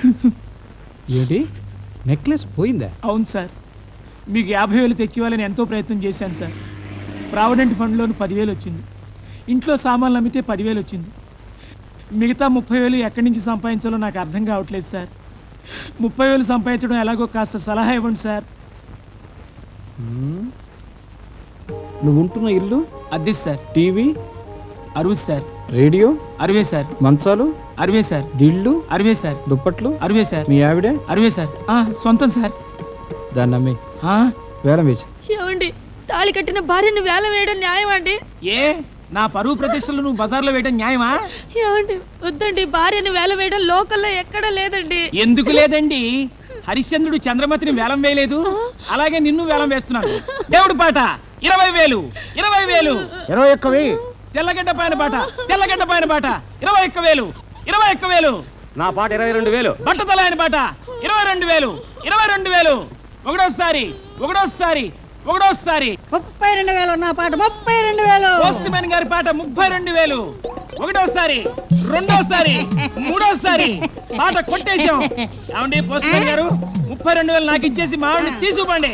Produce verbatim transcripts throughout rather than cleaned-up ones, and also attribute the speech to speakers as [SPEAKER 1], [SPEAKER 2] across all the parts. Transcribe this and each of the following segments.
[SPEAKER 1] ఏంటి నెక్లెస్ పోయిందా?
[SPEAKER 2] అవును సార్, మీకు యాభై వేలు తెచ్చివ్వాలని ఎంతో ప్రయత్నం చేశాను సార్. ప్రావిడెంట్ ఫండ్లోని పదివేలు వచ్చింది, ఇంట్లో సామాన్లు అమ్మితే పదివేలు వచ్చింది. మిగతా ముప్పై వేలు ఎక్కడి నుంచి సంపాదించాలో నాకు అర్థం కావట్లేదు సార్. ముప్పై వేలు సంపాదించడం ఎలాగో కాస్త సలహా ఇవ్వండి సార్.
[SPEAKER 1] నువ్వు ఉంటున్న ఇల్లు
[SPEAKER 2] అద్దె సార్.
[SPEAKER 1] టీవీ
[SPEAKER 2] అరవై సార్.
[SPEAKER 1] రేడియో
[SPEAKER 2] అరవై సార్.
[SPEAKER 1] మంచాలు
[SPEAKER 2] అరవై సార్.
[SPEAKER 1] దిళ్ళు
[SPEAKER 2] అరవై సార్.
[SPEAKER 1] దుప్పట్లు
[SPEAKER 2] అరవై సార్.
[SPEAKER 1] మీ ఆవిడే
[SPEAKER 2] అరవై సార్. సొంతం సార్.
[SPEAKER 1] దాన్ని అమ్మి వేలం వేసి.
[SPEAKER 3] ఏమండి, తాళి కట్టిన భార్యను వేలం వేయడం న్యాయమా అండి?
[SPEAKER 2] ఏ నా పరువు ప్రతిష్టలు నువ్వు బజార్లో వేయడం న్యాయమా?
[SPEAKER 3] ఏమండి, వద్దండి, భార్యను వేలం వేయడం లోకల్లో ఎక్కడా లేదండి.
[SPEAKER 2] ఎందుకు లేదండి? హరిశ్చంద్రుడు చంద్రమతిని వేలం వేయలేదు, అలాగే నిన్ను వేలం వేస్తున్నాను. దేవుడు పాట ఇరవై వేలు ఇరవై వేలు
[SPEAKER 1] ఇరవై ఒక్క వెయ్యి.
[SPEAKER 2] తెల్లగడ్డ పైన పాట తెల్లగడ్డ పైన పాట ఇరవై ఒక్క వేలు ఇరవై ఒక్క వేలు.
[SPEAKER 4] నా పాట ఇరవై రెండు వేలు.
[SPEAKER 2] బట్టతల ఆయన పాట ఇరవై రెండు వేలు ఇరవై రెండు వేలు. ఒకటోసారి ఒకటోసారి ఒకటోసారి
[SPEAKER 5] ముప్పై రెండు వేలు. నా పాట ముప్పై రెండు వేలు.
[SPEAKER 2] పోస్ట్ మ్యాన్ గారి పాట ముప్పై రెండు వేలు. ఒకటోసారి రెండోసారి మూడోసారి పాట కొట్టేశాం. ఏమండి పోస్ట్ మ్యాన్ గారు, ముప్పై రెండు వేలు నాకు ఇచ్చేసి మా ఆవిడని తీసుకుపండి.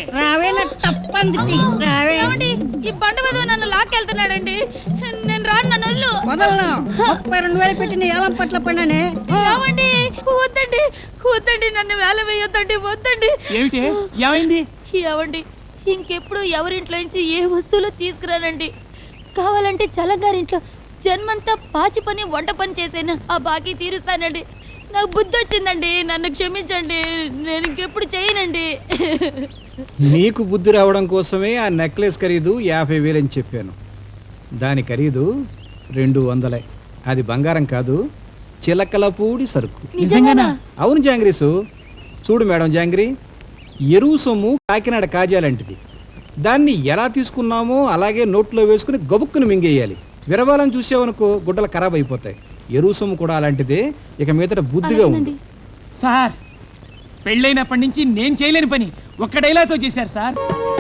[SPEAKER 3] ఈ బండ మీద నన్ను లాక్కెళ్తున్నాడండి. నేను రాను, నన్ను వదిలు.
[SPEAKER 5] వదలను. ముప్పై రెండు వేలు పెట్టిన ఏలం పట్ల పడినానే.
[SPEAKER 3] ఏమండి, వద్దండి వద్దండి, నన్ను వేల వేయొద్దండి, వద్దండి.
[SPEAKER 2] ఏమిటి ఏమైంది?
[SPEAKER 3] ఏమండి, ఇంకెప్పుడు ఎవరింట్లో నుంచి ఏ వస్తువులు తీసుకురానండి. కావాలంటే చల్లగారింట్లో జన్మంతా పాచి పని వంట పని చేసేనా ఆ బాకీ తీరుస్తానండి. నాకు బుద్ధి వచ్చిందండి, నన్ను క్షమించండి, నేను ఇంకెప్పుడు చేయనండి.
[SPEAKER 1] నీకు బుద్ధి రావడం కోసమే ఆ నెక్లెస్ ఖరీదు యాభై వేలని చెప్పాను. దాని ఖరీదు రెండు వందలే. అది బంగారం కాదు, చిలకలపూడి సరుకు.
[SPEAKER 3] నిజంగానా?
[SPEAKER 1] అవును జాంగ్రీసు. చూడు మేడం జాంగ్రీ, ఎరువు సొమ్ము కాకినాడ కాజాలంటిది. దాన్ని ఎలా తీసుకున్నామో అలాగే నోట్లో వేసుకుని గబుక్కుని మింగేయాలి. విరవాలని చూసావనుకో గుడ్డలు ఖరాబ్ అయిపోతాయి. ఎరువు సొమ్ము కూడా అలాంటిదే. ఇక మీదట బుద్ధిగా ఉంది.
[SPEAKER 2] సార్, పెళ్ళైనప్పటి నుంచి నేను చేయలేని పని ఒక్క డైలాగ్తో చేశారు సార్.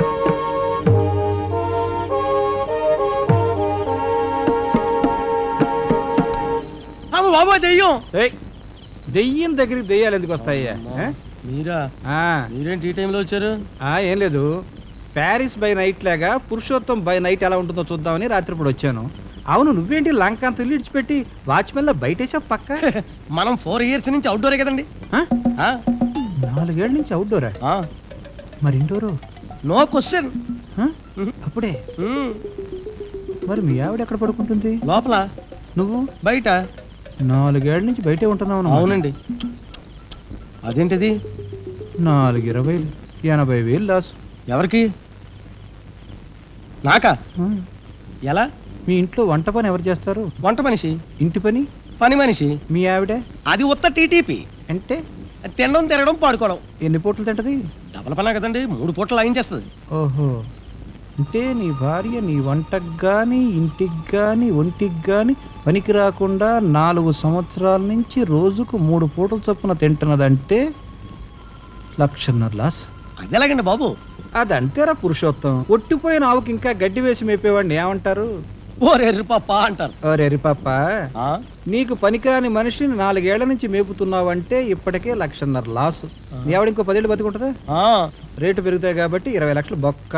[SPEAKER 4] బాబా దెయ్యం.
[SPEAKER 1] దెయ్యం దగ్గరికి దెయ్యాలు ఎందుకు వస్తాయ్యా?
[SPEAKER 4] మీరా? మీరేంటి ఈ టైంలో వచ్చారు?
[SPEAKER 1] ఏం లేదు, ప్యారిస్ బై నైట్ లాగా పురుషోత్తం బై నైట్ ఎలా ఉంటుందో చూద్దామని రాత్రిపూట వచ్చాను. అవును, నువ్వేంటి లంక అంత ఇల్లు ఇడిచిపెట్టి వాచ్మెన్ లో బయటేసా పక్క?
[SPEAKER 4] మనం ఫోర్ ఇయర్స్ నుంచి అవుట్డోరే కదండి.
[SPEAKER 1] నాలుగేళ్ల నుంచి అవుట్డోరా? మరి ఇండోరు?
[SPEAKER 4] No question.
[SPEAKER 1] అప్పుడే? మరి మీ ఆవిడ ఎక్కడ పడుకుంటుంది?
[SPEAKER 4] లోపల.
[SPEAKER 1] నువ్వు
[SPEAKER 4] బయట.
[SPEAKER 1] నాలుగేళ్ల నుంచి బయటే ఉంటున్నావు?
[SPEAKER 4] అవునండి. అదేంటిది?
[SPEAKER 1] నాలుగు ఇరవై ఎనభై వేలు లాస్.
[SPEAKER 4] ఎవరికి? నాకా? ఎలా?
[SPEAKER 1] మీ ఇంట్లో వంట పని ఎవరు చేస్తారు?
[SPEAKER 4] వంట మనిషి.
[SPEAKER 1] ఇంటి పని?
[SPEAKER 4] పని మనిషి.
[SPEAKER 1] మీ ఆవిడ?
[SPEAKER 4] అది ఉత్త టీటీపీ.
[SPEAKER 1] అంటే
[SPEAKER 4] తినడం తినడం పాడుకోవడం.
[SPEAKER 1] ఎన్ని పూటలు తింటది?
[SPEAKER 4] డబల్ పనా కదండి, మూడు పూటలు లాగించేస్తుంది.
[SPEAKER 1] ఓహో, అంటే నీ భార్య నీ వంటకు కానీ ఇంటికి కానీ ఒంటికి కానీ పనికి రాకుండా నాలుగు సంవత్సరాల నుంచి రోజుకు మూడు పూటలు చొప్పున తింటున్నదంటే లక్షన్నర లాస్.
[SPEAKER 4] అది ఎలాగండి బాబు?
[SPEAKER 1] అదంతేరా పురుషోత్తం. ఒట్టిపోయిన ఆవుకి ఇంకా గడ్డి వేసి మేపేవాడిని ఏమంటారు?
[SPEAKER 4] ఓరెర్రి పాప అంటారు.
[SPEAKER 1] ఓరెర్రి పాప, నీకు పనికిరాని మనిషిని నాలుగేళ్ల నుంచి మేపుతున్నావంటే ఇప్పటికే లక్షన్నర లాసు. నీ ఆవిడ ఇంకో పదేళ్ళు బతుకుంటుందా? రేటు పెరుగుతాయి కాబట్టి ఇరవై లక్షలు బొక్క.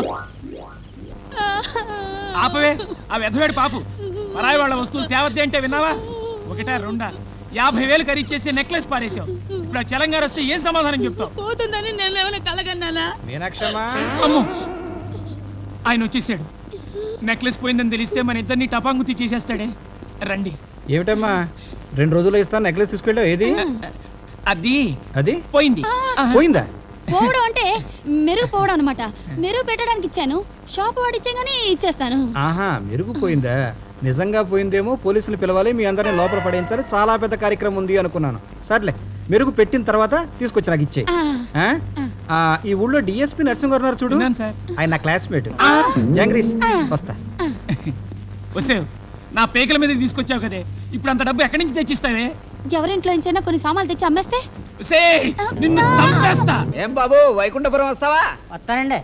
[SPEAKER 2] ఆపవే ఆ వెధవేడు పాపు. పరాయి వాళ్ళ వస్తువులు తేవద్దే అంటే విన్నావా? ఒకటా రెండా యాభై వేలు ఖరీచేసి నెక్లెస్ పారేసావు. ఇప్పుడు ఆ తెలంగాణ వస్తే ఏం సమాధానం చెప్తావు?
[SPEAKER 3] పోతుందని నేను ఏమైనా కలగన్నానా?
[SPEAKER 1] మీనాక్షమ్మా,
[SPEAKER 2] అమ్మో, ఆయన వచ్చేసాడు. నెక్లెస్ పోయిందని తెలిస్తే మన ఇద్దరిని టపాంగుతి చేసేస్తాడే. రండి.
[SPEAKER 1] ఏమిటమ్మా, రెండు రోజులు ఇస్తాను నెక్లెస్ తీసుకెళ్ళావు? ఏది?
[SPEAKER 2] అది
[SPEAKER 1] అది
[SPEAKER 2] పోయింది.
[SPEAKER 1] పోయిందా?
[SPEAKER 3] పోవడం అంటే మెరుగు పోవడం అనమాట. మెరుగు పెట్టడానికి ఇచ్చాను, షాప్ వాడు ఇచ్చాగానే ఇచ్చేస్తాను.
[SPEAKER 1] ఆహా, మెరుగు పోయిందా? నిజంగా పోయిందేమో, పోలీసులు పిలవాలి, మీ అందరినీ లోపల పడేయించాలి, చాలా పెద్ద కార్యక్రమం ఉంది అనుకున్నాను. సర్లే, మెరుగు పెట్టిన తర్వాత తీసుకొచ్చి నాకు ఇచ్చే. ఈ ఊళ్ళో డిఎస్పీ నరసింహ గారు ఉన్నారు చూడు, ఆయన నా క్లాస్మేట్. జంగ్రీస్, వస్తా.
[SPEAKER 2] వస్తే నా పేకల మీద తీసుకొచ్చావు కదే, ఇప్పుడు అంత డబ్బు ఎక్కడి నుంచి తెచ్చిస్తావే?
[SPEAKER 3] ఎవరింట్లో నుంచైనా కొన్ని సామాన్లు తెచ్చి అమ్మేస్తే
[SPEAKER 2] నిన్ను చంపేస్తా.
[SPEAKER 6] ఏం బాబు, వైకుంఠపురం వస్తావా?
[SPEAKER 5] వస్తానండి.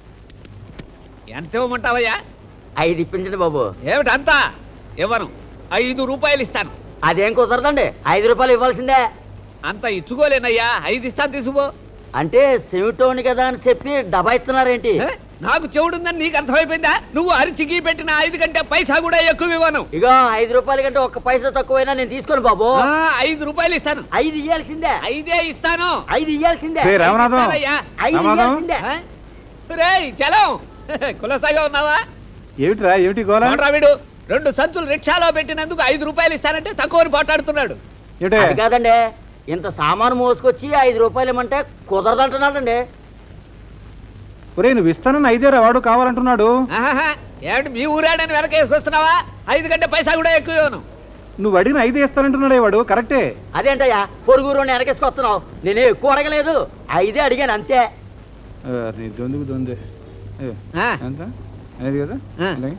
[SPEAKER 6] ఎంత ఇవ్వమంటావయ్యా?
[SPEAKER 7] ఐదు ఇప్పించండి బాబు.
[SPEAKER 6] ఏమిటంతా? ఇవ్వను. ఐదు రూపాయలు ఇస్తాను.
[SPEAKER 7] అదేం కుదరదండి, ఐదు రూపాయలు ఇవ్వాల్సిందే.
[SPEAKER 6] అంత ఇచ్చుకోలేనయ్యా, ఐదు ఇస్తాను తీసుకో.
[SPEAKER 7] అంటే సెమిటోని కదా అని చెప్పి డబ్బా ఇస్తున్నారేంటి?
[SPEAKER 6] ఏ? నాకు చెవుడుందని నీకు అర్థమైపోయిందా? నువ్వు అరిచికి పెట్టిన ఐదు కంటే పైసా కూడా ఎక్కువ ఇవ్వను.
[SPEAKER 7] ఇక ఐదు రూపాయల కంటే ఒక్క పైసా తక్కువైనా నేను తీసుకోను బాబు.
[SPEAKER 6] ఆ, ఐదు రూపాయలు ఇస్తాను.
[SPEAKER 7] ఐదు ఇయ్యాల్సిందే.
[SPEAKER 6] ఐదే ఇస్తాను.
[SPEAKER 7] ఐదు ఇయ్యాల్సిందే.
[SPEAKER 1] రే రామనాథం,
[SPEAKER 6] ఇస్తానయ్యా.
[SPEAKER 7] ఐదు
[SPEAKER 1] రామనాథం.
[SPEAKER 7] ఇయ్యాల్సిందే.
[SPEAKER 6] ఆ? రేయ్ చలం, కులసాగా ఉన్నావా?
[SPEAKER 1] ఏమిట్రా ఏమిటి గోళ?
[SPEAKER 6] చూడరా వీడు రెండు సంచులు రిక్షాలో పెట్టినందుకు ఐదు రూపాయలు ఇస్తానంటే తక్కువని పోటాడుతున్నాడు.
[SPEAKER 1] ఏమిటే?
[SPEAKER 7] అది కాదండి, ఇంత సామాను మోసుకొచ్చి ఐదు రూపాయలు ఇమ్మంటే కుదరదంటున్నాడండి.
[SPEAKER 1] ఒరే నువ్వు ఇస్తానని ఐదేరా, వాడు కావాలంటున్నాడు.
[SPEAKER 6] ఆహాహా, ఏమిటి మీ ఊరాడని వెనక వేసుకొస్తున్నావా? ఐదు కంటే పైసా కూడా ఎక్కువ ఇవ్వను.
[SPEAKER 1] నువ్వు అడిగిన ఐదే ఇస్తానంటున్నాడే వాడు, కరెక్టే.
[SPEAKER 7] అదేంటయ్యా పొరుగురు వెనకేసుకొస్తున్నావు? నేనే ఎక్కువ అడగలేదు, ఐదే అడిగాను అంతే.
[SPEAKER 1] ఆ, నీ దొందుకు దొందే. ఏ,
[SPEAKER 6] ఆ.
[SPEAKER 1] ఎంత? ఐదు కదా?
[SPEAKER 6] ఆ.
[SPEAKER 1] అలాగే.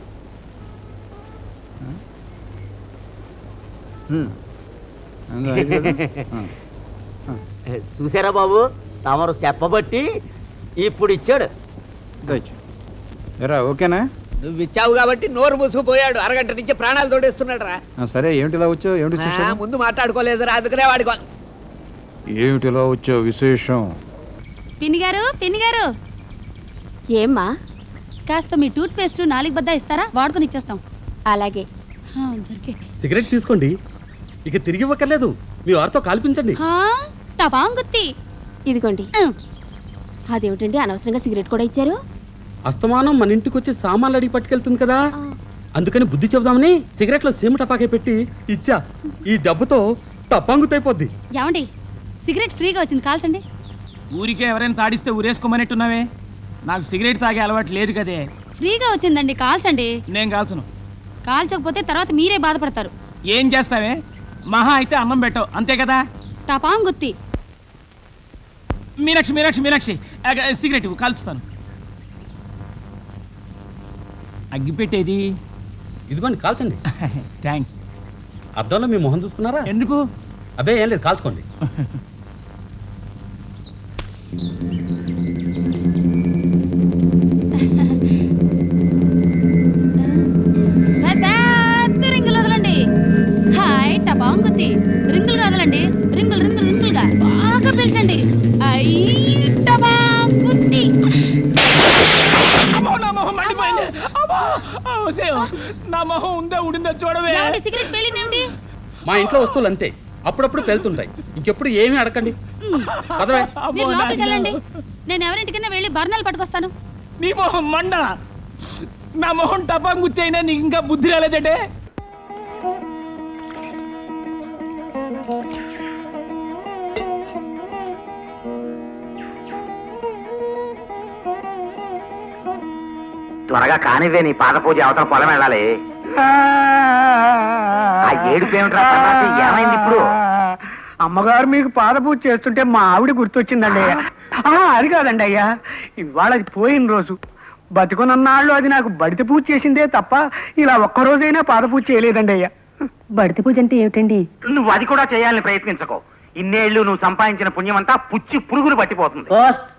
[SPEAKER 6] హ్మ్.
[SPEAKER 1] ఎంత? ఐదు కదా? ఆ.
[SPEAKER 7] చూసారా బాబు, తమరు చెప్పబట్టి ఇప్పుడు ఇచ్చాడు.
[SPEAKER 1] దయచు. ఎరా ఓకేనా?
[SPEAKER 6] నువ్వు ఇచ్చావు కాబట్టి నోరు మూసుకుపోయాడు. అరగంట నుంచి ప్రాణాలు తోడేస్తున్నాడు రా.
[SPEAKER 1] ఆ, సరే ఏమిటి ఇలా వచ్చావు? ఏమిటి
[SPEAKER 6] ఆ,
[SPEAKER 1] విశేషం?
[SPEAKER 6] ముందు మాట్లాడుకోలేదురా, అందుకనే వాడుకో.
[SPEAKER 1] ఏమిటి ఇలా వచ్చావు విశేషం?
[SPEAKER 3] పిన్ని గారు, పిన్ని గారు. ఏమ్మా, కాస్త మీ టూత్ పేస్ట్ నాలుగు బద్ద ఇస్తారా? వాడుకొని ఇచ్చేస్తాం. అలాగే. దొరికే.
[SPEAKER 8] సిగరెట్ తీసుకోండి, ఇక తిరిగి ఇవ్వక్కర్లేదు. మీ వారితో కాల్పించండి.
[SPEAKER 3] టపాంగుత్తి ఇదిగోండి. అదేమిటండి అనవసరంగా సిగరెట్ కూడా ఇచ్చారు?
[SPEAKER 8] అస్తమానం మన ఇంటికి వచ్చి సామాన్లు అడిగి పట్టుకెళ్తుంది కదా, అందుకని బుద్ధి చెబుదామని సిగరెట్ లో సీమ టపాకే పెట్టి ఇచ్చా. ఈ దెబ్బతో టపాంగుతైపోద్ది.
[SPEAKER 3] ఏమండి, సిగరెట్ ఫ్రీగా వచ్చింది, కాల్చండి.
[SPEAKER 2] ఊరికే ఎవరైనా తాడిస్తే ఊరేసుకోమనేట్టున్నావే. నాకు సిగరెట్ తాగే అలవాటు లేదు కదే.
[SPEAKER 3] ఫ్రీగా వచ్చిందండి, కాల్చండి.
[SPEAKER 2] నేను కాల్చను.
[SPEAKER 3] కాల్చకపోతే తర్వాత మీరే బాధపడతారు.
[SPEAKER 2] ఏం చేస్తావే? మహా అయితే అన్నం పెట్టవు, అంతే కదా.
[SPEAKER 3] టపాంగుత్తి.
[SPEAKER 2] మీనాక్షి మీనాక్షి మీనాక్షి ఆగ, సిగరెట్ ఇవ్వు, కాల్చుతాను. అగ్గిపెట్టేది.
[SPEAKER 8] ఇదిగోండి కాల్చండి.
[SPEAKER 2] థ్యాంక్స్.
[SPEAKER 8] అద్దంలో మీ మొహం చూసుకున్నారా?
[SPEAKER 2] ఎందుకు?
[SPEAKER 8] అబ్బే ఏం లేదు, కాల్చుకోండి.
[SPEAKER 3] పెద్ద రింగులు వదలండి. హాయ్ టపాంగుత్తి. రింగులు వదలండి, రింగులు రింగులు రింగులుగా బాగా పీల్చండి. ఐ టపాంగుత్తి.
[SPEAKER 2] అమ్మో, నా మొహం మండిపోయింది. అమ్మో, ఆ, సేవ్. నా మొహం ఉందా ఉడిందా చూడవే.
[SPEAKER 3] ఏమండి, సిగరెట్ పేలిందేమిటి?
[SPEAKER 8] మా ఇంట్లో వస్తువులు అంతే, అప్పుడప్పుడు పెళ్తుంటాయి. ఇంకెప్పుడు ఏమీ అడగండి. పదవే.
[SPEAKER 3] మీరు లోపలికి వెళ్ళండి, నేను ఎవరింటికైనా వెళ్ళి బర్ణాలు పట్టుకొస్తాను.
[SPEAKER 2] నీ మొహం మండ. నా మొహం టపాం గుర్తి అయినా నీకు ఇంకా బుద్ధి రాలేదంటే.
[SPEAKER 9] త్వరగా కానివే, నీ పాద పూజ అవతల పొలం వెళ్ళాలి. ఆ ఏడుపు ఏమిట్రా సన్నాసి? ఏమైంది ఇప్పుడు?
[SPEAKER 5] అమ్మగారు మీకు పాద పూజ చేస్తుంటే మా ఆవిడ గుర్తొచ్చిందండి అయ్యా. ఆ, అది కాదండి అయ్యా, ఇవాళ అది పోయిన రోజు. బతుకునన్నాళ్ళు అది నాకు బడిత పూజ చేసిందే తప్ప ఇలా ఒక్కరోజైనా పాద పూజ చేయలేదండి అయ్యా. బడిత పూజ అంటే ఏమిటండి?
[SPEAKER 9] నువ్వు అది కూడా చేయాలని ప్రయత్నించకో. ఇన్నేళ్లు నువ్వు సంపాదించిన పుణ్యమంతా పుచ్చి పురుగులు పట్టిపోతుంది.
[SPEAKER 7] ఓ